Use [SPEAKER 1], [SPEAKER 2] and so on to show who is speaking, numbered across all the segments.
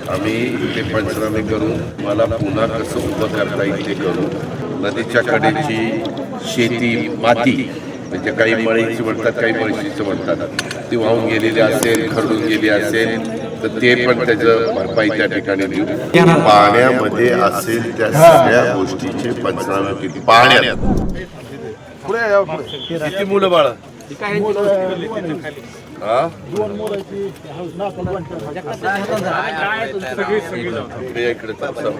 [SPEAKER 1] आम्ही ते पंचनामे करून मला पुन्हा कसं उभं करता येईल ते करू. नदीच्या कडेची शेती माती म्हणजे काही मळीची म्हणतात, काही म्हशीचं म्हणतात, ती वाहून गेलेली असेल, खरडून गेली असेल तर ते पण त्याचं भरपाई त्या ठिकाणी देऊ. पाण्यामध्ये असेल त्या सगळ्या गोष्टीचे पंचनामे होतील. पाण्यात किती मुलं बाळ इकडे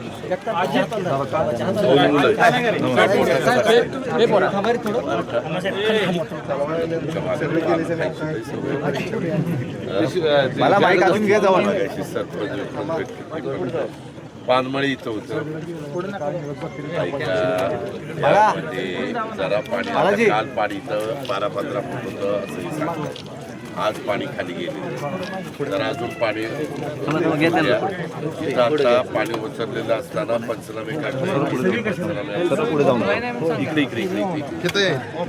[SPEAKER 1] पानमळी इथं होतं. जरा पाणी काल पाणी इथं 12-15 फूट होतं असं. आज पाणी खाली गेले, जरा अजून पाणी इथं आता पाणी ओसरलेलं असताना पंचनामे इकडे इकडे इकडे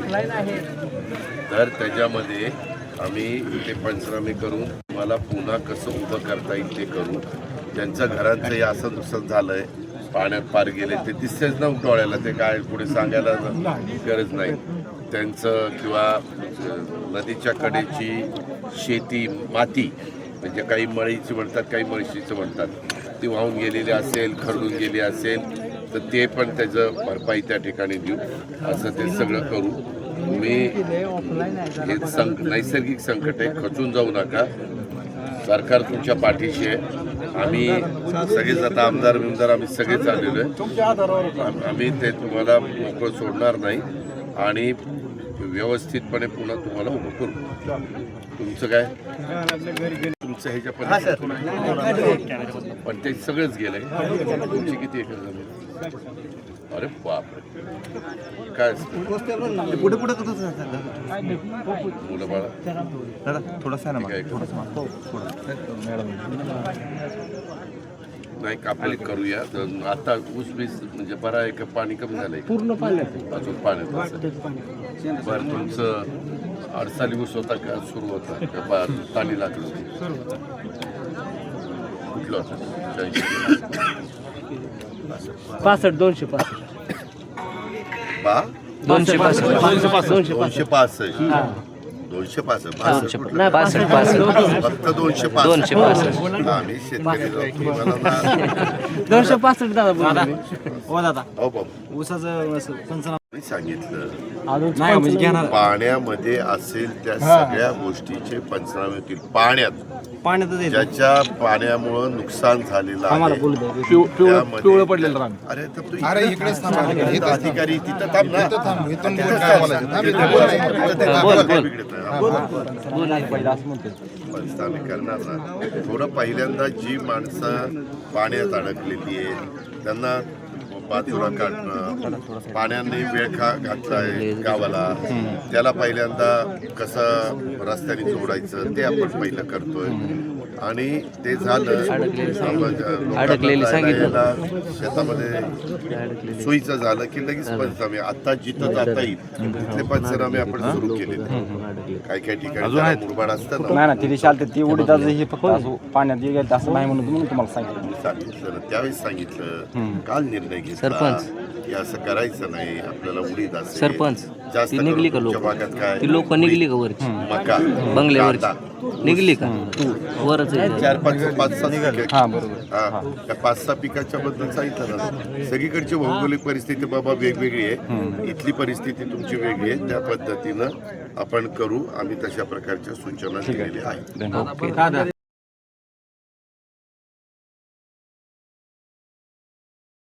[SPEAKER 1] तर त्याच्यामध्ये आम्ही ते पंचनामे करून मला पुन्हा कसं उभं करता येईल ते करू. ज्यांच्या घरांचं हे असं नुकसान झालंय, पाण्यात पार गेले, ते दिसतेच ना डोळ्याला, ते काय पुढे सांगायला गरज नाही त्यांचं. किंवा नदीच्या कडेची शेती माती म्हणजे काही मळीची म्हणतात, काही म्हशीचं म्हणतात, ती वाहून गेलेली असेल, खरडून गेली असेल तर ते पण त्याचं भरपाई त्या ठिकाणी देऊ. असं ते सगळं करू. तुम्ही हे नैसर्गिक संकट आहे, खचून जाऊ नका. सरकार तुमच्या पाठीशी आहे. आम्ही सगळेच आता आमदार आम्ही सगळेच आलेलो आहे. आम्ही ते तुम्हाला मोकळं सोडणार नाही आणि व्यवस्थितपणे पुन्हा तुम्हाला उभं करू. तुमचं काय तुमचं ह्याच्या पण ते सगळंच गेलंय. तुमची किती एकर जमीन? अरे बापरे, काय
[SPEAKER 2] पुढे पुढे
[SPEAKER 1] मुलं बाळा
[SPEAKER 2] थोडासा
[SPEAKER 1] नाही कापणी करूया. आता ऊस बीस म्हणजे बरा आहे का? पाणी कमी झालंय
[SPEAKER 3] पूर्ण पाण्यात
[SPEAKER 1] अजून पाण्यात. बरं, तुमचं अडसाली ऊस होता का सुरू होता का पाणी लागलं कुठलं होतं?
[SPEAKER 3] 65 265
[SPEAKER 1] फक्त 265. आम्ही शेतकरी सांगितलं पाण्यामध्ये असेल त्या सगळ्या गोष्टीचे पंचनामे होतील. पाण्यात ज्याच्या पाण्यामुळं नुकसान झालेलं आहे,
[SPEAKER 3] पिवळं पडलेलं रान.
[SPEAKER 1] अरे इकडेच अधिकारी तिथं थांब पंचनामे करणार ना. थोडं पहिल्यांदा जी माणसं पाण्यात अडकलेली आहे त्यांना बाजूला काढणं, पाण्याने वेळ घातलाय गावाला, त्याला पहिल्यांदा कसं रस्त्याने जोडायचं ते आपण पहिलं करतोय. आणि ते झालं शेतामध्ये सोयीचं झालं की लगेच पंचनामे. आता जिथं जाता येईल तिथले पंचनामे आपण सुरू केले. काही काही ठिकाणी मुरबाड असतं ना,
[SPEAKER 2] ती उडीत हे फक्त पाण्यात गेलं असं नाही म्हणून तुम्हाला सांगितलं.
[SPEAKER 1] त्यावेळेस सांगितलं. काल निर्णय घेतला की असं करायचं नाही, आपल्याला उडीद असेल
[SPEAKER 4] सरपंच
[SPEAKER 1] जास्त
[SPEAKER 4] निघली का लोक?
[SPEAKER 1] भागात काय
[SPEAKER 4] ती लोक निघली का वरची
[SPEAKER 1] मका
[SPEAKER 4] बंगल्यावरची निघली का? वरच
[SPEAKER 1] 4-5-6 पिकाच्या बद्दल सांगितलं ना. सगळीकडची भौगोलिक परिस्थिती बाबा वेगवेगळी आहे, इथली परिस्थिती तुमची वेगळी आहे. त्या पद्धतीनं आपण करू. आम्ही तशा प्रकारच्या सूचना दिलेल्या आहेत.